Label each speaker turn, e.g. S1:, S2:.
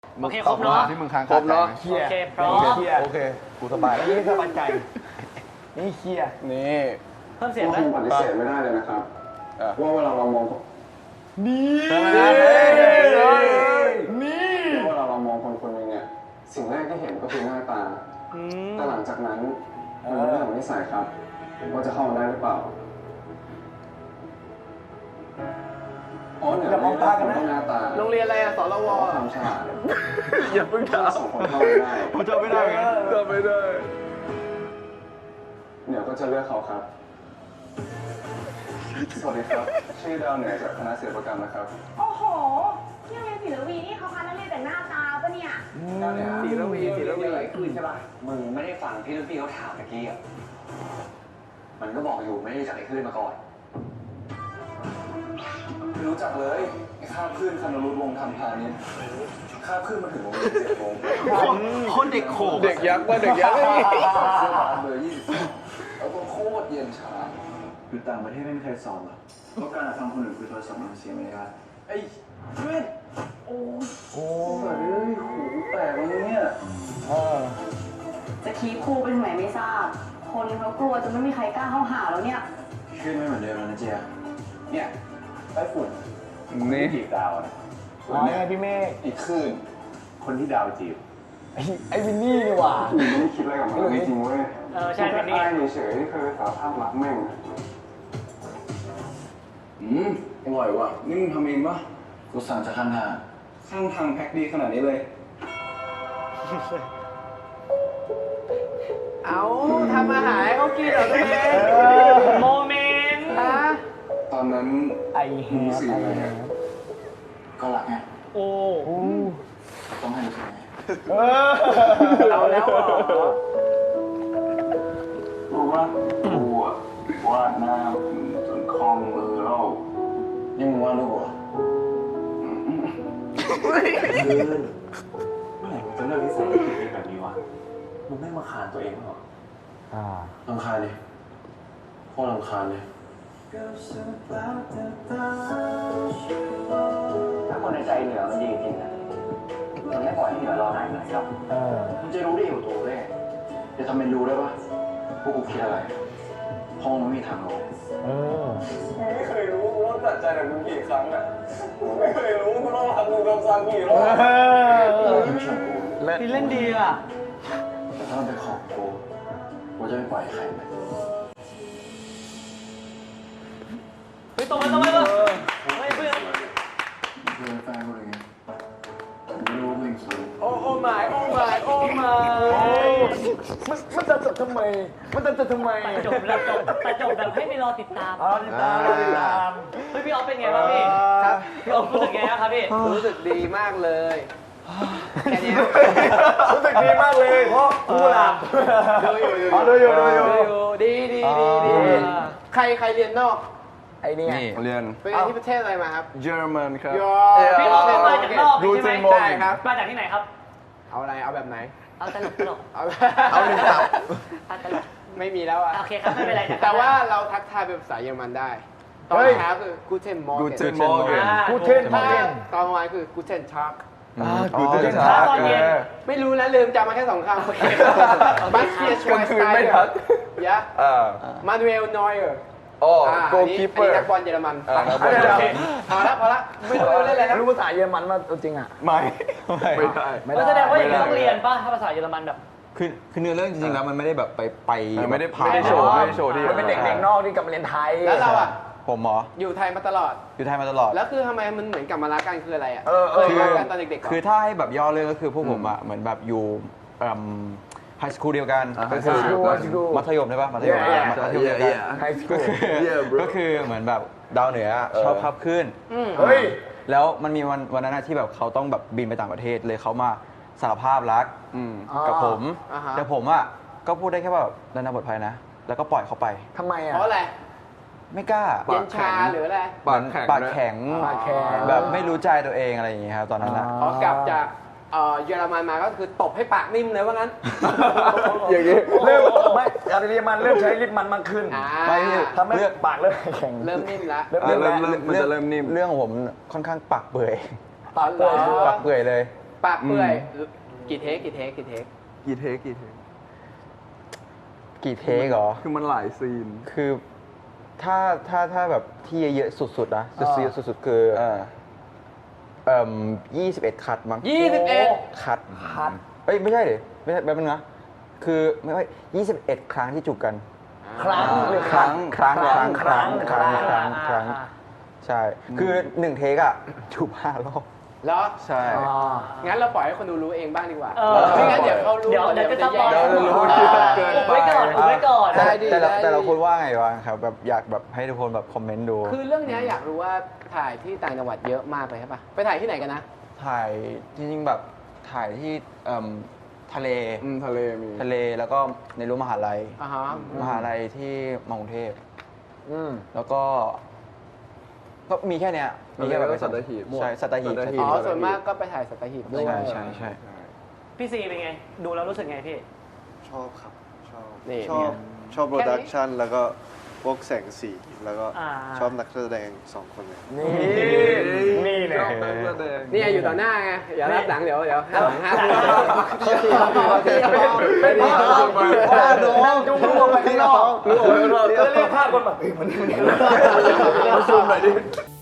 S1: โอเคครบเนาะ
S2: ที่มึงค้าง
S3: ครบเนาะ
S1: โอเคพร้อม
S3: โอเคกูสบายแล้ว
S4: นี่สบายใจนี่เคลียร์
S3: นี่
S1: เพิ่มเสียง
S5: ว่า
S1: ไหม
S5: คงปฏิเสธไม่ได้เลยนะครับว่าเวลาเรามอง
S3: ใช่ไหม
S4: นี่
S5: ว่าเวลาเรามองคนคนหนึงเนี่ยสิ่งแรกที่เห็นก็คือหน้าตา แต่หลังจากนั้นมันเป็นเรื่องของนิสัยครับว่าจะเข้ามาได้หรือเปล่าอ๋อเนี่ย
S4: อย่ามองตากันนะ
S5: ต้องหน้าตา
S3: โรงเรียนอะไรอะสรว
S5: ความฉลาด
S3: อย่าเพิ่งถาม
S5: สองคนเข้าไม่ได้
S3: ผมจำไม่ได้ไงจำไม่ได้
S5: เดี๋ยวก็จะเลือกเขาครับ สวัสดีครับ ชื่อดาวเหนือจากคณะศิลปกรรมนะครับ
S6: โอ้โหที่โรงเรียนศิลวีนี่เขาคัดนักเรียนแต่หน้าตาปะเนี่ย
S3: ศิลวี
S7: คืนใช่ป่ะ มึงไม่ได้ฟังที่รุ่นพี่เขาถามตะกี้อ่ะ มันก็บอกอยู่ไม่ได้รู้จักไอ้คลื่นมาก่อน
S5: ไม่รู้จักเลยไอ้ข้ามขึ้นคณรุตวงศ์ธรรมพานิชย์ข้ามขึ้นมาถึงโรงเรียน7 โมง
S2: คนเด็กโขก
S3: เด็กยักษ์ว่าเด็กยักษ์
S5: เสื้อผ้าเบอร์22แล้วก็โคตรเย็นชาอยู่ต่างประเทศไม่มีใครสอนหรอกเพราะการทำคนอื่นคือโทรศัพท์มันเสียไม่ได้ไอ้เพื่อนโอ้ยหูแตกเลยเนี่ย
S6: จะคีบครูไปถึงไหนไม่ทราบ คนเขากลัวจนไม่มีใครกล้าเข้าหาแล้วเนี่ย
S5: ขึ้นไม่เหมือนเดิมแล้วนะเจียเนี่ยไต้ฝุ่น
S3: นี่
S5: จีบดาวนะ
S4: อ๋อไงพี่เมฆ
S5: อีกคลื่นคนที่ดาวจีบ
S4: ไอ้วินนี่นี่หว่า
S5: มึงไม่ได้คิดอะไรกับมันจริงๆเว้ย
S1: ใช่เป็นนี่
S5: แค่เฉยๆที่เคยสารภาพรักแม่งอร่อยว่ะนี่มึงทำเองปะกูสั่งจากข้างทางแพ็คดีขนาดนี้เลย
S3: เอาทำอาหารให้เขากินเหรอตัวเอง
S1: โมเมนต์
S5: ตอนนั้น
S4: ไอ้
S5: มึง
S4: แฮ
S5: รู้สึก
S4: ไอ้
S5: ยังไง
S4: แฮ
S5: ก็รักไง
S1: โอ้
S5: ต้องให้รู้สึกไง
S4: เอาแล้วเหรอ
S5: รู้ว่ากูอะวาดหน้าจนคล่องมือแล้วยังมึงวาดรูปเหรอ
S7: เมื่อไหร่มึงจะเลิกนิสัยที่เป็นแบบนี้วะ มึงไม่มาขานตัวเองหรอ
S5: รำคาญเลยโคตรรำคาญเลย
S7: ถ้าคนในใจเหนือมันดีจริงนะมันไม่ปล่อยให้เหนือรอหายเหนื่อยหรอก
S5: มึงจะรู้ได้อยู่ตัวเลยจะทำเป็นรู้ได้ปะพวกกูคิดอะไรห้องมันไม่มีทางรู้มึงไม่เคยรู้กูต้องตัดใจกับมึงกี่ครั้งอ่ะมึงไม่เคยรู้กูต้องรักมึงซ้ำๆกี่รอบที่ไม่ชอบกู
S1: พี่เล่นดีอ่ะ
S5: แต่ถ้ามันเป็นของกูกูจะไม่ปล่อยให้ใครไป
S1: เฮ้ยตรงไปเฮ้ยเพื่อน
S5: มึงเป็นแฟนกูเลยไงแต่ไม่รู้ว่ามึงคิด
S3: โอ้หมายมันจะจบทำไมมันจะทำไม
S1: ตัดจบแบบให้ไปรอติดตาม
S4: ติดตามติดตาม
S1: เฮ้ยพี่ออฟเป็นไงบ้างพี่พี่ออฟรู้สึกไงบ้างครับพี่
S3: รู้สึกดีมากเลยแค่นี้
S4: รู้สึกดีมากเลยเพราะกูหลับ
S3: ดูอยู่ ดี ใครเรียนนอก
S4: ไอ้เนี่ย
S2: เรียน
S3: ไปเรียนที่ประเทศอะไรมาครับ
S2: เยอรมันครับ
S1: พี่ออฟก็มาจากนอกใช่ไหม
S3: ได้ครับ
S1: มาจากที่ไหนครับ
S3: เอาอะไร เอาแบบไหน
S1: เอาตลก
S3: เอาหนึ่งตับ
S1: เอาตลก
S3: ไม่มีแล้วอ่ะ
S1: โอเคครับไม่เป็นไร
S3: แต่ว่าเราทักทายเป็นภาษาเยอรมันได้ ตอนเช้าคือ Guten Morgen
S2: Guten Morgen
S4: กูเทน
S3: ถ้า
S4: เทน
S3: ตอนกลางวันคือ Guten Tag
S2: กูจะ
S1: ถ้าตอนเย็น
S3: ไม่รู้นะลืมจำมาแค่2 คำบัสเฟียชว
S2: กลางคืนไม่ทัก
S3: ยะมานูเอลนอยเออร์
S2: โอ้
S3: โกคีเปอร์นักบอลเยอรมันพอละไม่รู้เล่นอะไรนะ
S4: รู้ภาษาเยอรมันมาจริงอ่ะ
S2: ไม่ได้
S1: ก็แสดงว่าอย่างนี้ต้องเรียนป่ะถ้าภาษาเยอรมันแบบ
S8: คือเนื้อเรื่องจริงๆแล้วมันไม่ได้แบบไป
S2: ไม่ได้
S8: ผ่าน
S2: โชว์ที่
S4: มันเป็นเด็กนอกที่กลับมาเรียนไทย
S3: แล้วเราอ่ะ
S8: ผมหมอ
S3: อยู่ไทยมาตลอด
S8: อยู่ไทยมาตลอด
S3: แล้วคือทำไมมันเหมือนกลับมารักกันคืออะไรอ่ะ
S8: คือ
S3: รักกันตอนเด็กๆ
S8: คือถ้าให้แบบย่อเรื่องก็คือพวกผมอ่ะเหมือนแบบอยู่ไฮสคูลเดียวกันก็คือ
S4: high school
S8: มัธยมใช่ปะมัธยม
S4: Yeah,
S8: มัธยมเดียวกัน
S4: ไฮสคู
S8: ก็
S4: ล
S8: คือก็คือเหมือนแบบดาวเหนือชอบภาพขึ้น
S4: เฮ้ย
S8: แล้วมันมีวันนั้นที่แบบเขาต้องแบบบินไปต่างประเทศเลยเขามาสารภาพรักกับผม แต่ผมอ่ะก็พูดได้แค่ว่าแบบนานาบทภัยนะ แล้วก็ปล่อยเขาไป
S4: ทำไมอ่ะ
S3: เพราะอะไร
S8: ไม่กล้า
S3: เย็นชาหรืออะไร
S8: ปากแข็ง
S4: ปากแข็ง
S8: แบบไม่รู้ใจตัวเองอะไรอย่างเงี้ยครับตอนนั้นนะ
S3: พอกลับจากเยอรมันมาก็คือตบให้ปากนิ่มเลยว่างั้น
S4: อย่างนี้เริ่มไม่อาเรียมันเริ่มใช้ลิ้นมันมากขึ้น
S8: ไม่
S4: ทำให้ปากเริ่มแข็ง
S3: เริ่มนิ่มแล้ว
S4: เริ่ม
S2: มันจะเริ่มนิ่ม
S8: เรื่องของผมค่อนข้างปากเปื่อย
S3: ตอนเลย
S8: ปากเปื่อยเลย
S3: ปากเปื่อยกี่เทค
S2: กี่เทคกี่เทค
S8: กี่เทคเหรอ
S2: คือมันหลายซีน
S8: คือถ้าแบบที่เยอะๆสุดๆนะซีสุดๆคือ21 คัดมั้ง
S3: 21
S8: คัดเอ้ยไม่ใช่ดิไม่ใช่แบบนึงนะคือไม่21 ครั้งที่จูบกัน ครั้งใช่คือ1เทคอะจูบ5 รอบ
S3: แล้ว
S8: ใช่
S3: งั้นเราปล่อยให้คนดูรู้เองบ้างดีกว่า
S1: เออ
S3: ไม่งั้นเดี๋ยวเขารู้
S1: เดี๋ยวก็จะ
S3: แย่
S1: เดี๋ยวรู้
S2: เกินไป
S1: ไว้ก่อนไว้ก่อน
S3: ได้ดิ
S8: แต่เราคุณว่าไงวะครับแบบอยากแบบให้ทุกคนแบบคอมเมนต์ดู
S3: คือเรื่องเนี้ยอยากรู้ว่าถ่ายที่ต่างจังหวัดเยอะมากเลยใช่ปะไปถ่ายที่ไหนกันนะ
S8: ถ่ายจริงๆแบบถ่ายที่ทะเล
S2: ทะเลมี
S8: ทะเลแล้วก็ในรั้วมหาลัย
S3: อ่าฮะ
S8: มหาลัยที่มากรุงเทพแล้วก็มีแค่เนี้ยมีแค่แบบ
S2: แล้วก็สัตหีบ
S8: ใช่สัตหีบ
S3: อ๋อส่วนมากก็ไปถ่ายสัตหีบด้วย
S8: ใช่
S1: พี่ซีเป็นไง ดูแล้วรู้สึกไงพี่
S5: ชอบครับ ชอบ
S3: นี่
S5: ชอบโปรดักชันแล้วก็พวกแสงสีแล้วก็
S1: อ่า
S5: ชอบนักแสดง2 คนเลย
S4: นี่เลย
S3: นี่อยู่ต่อหน้าไงอย่ารับหลังเดี๋ยวห้ามห้าม
S4: จุ้งรวมไปข้างนอก
S2: รู้ไหมว่า
S4: จะเรียกภาพคนแบบ
S2: ซูมหน่อยดิ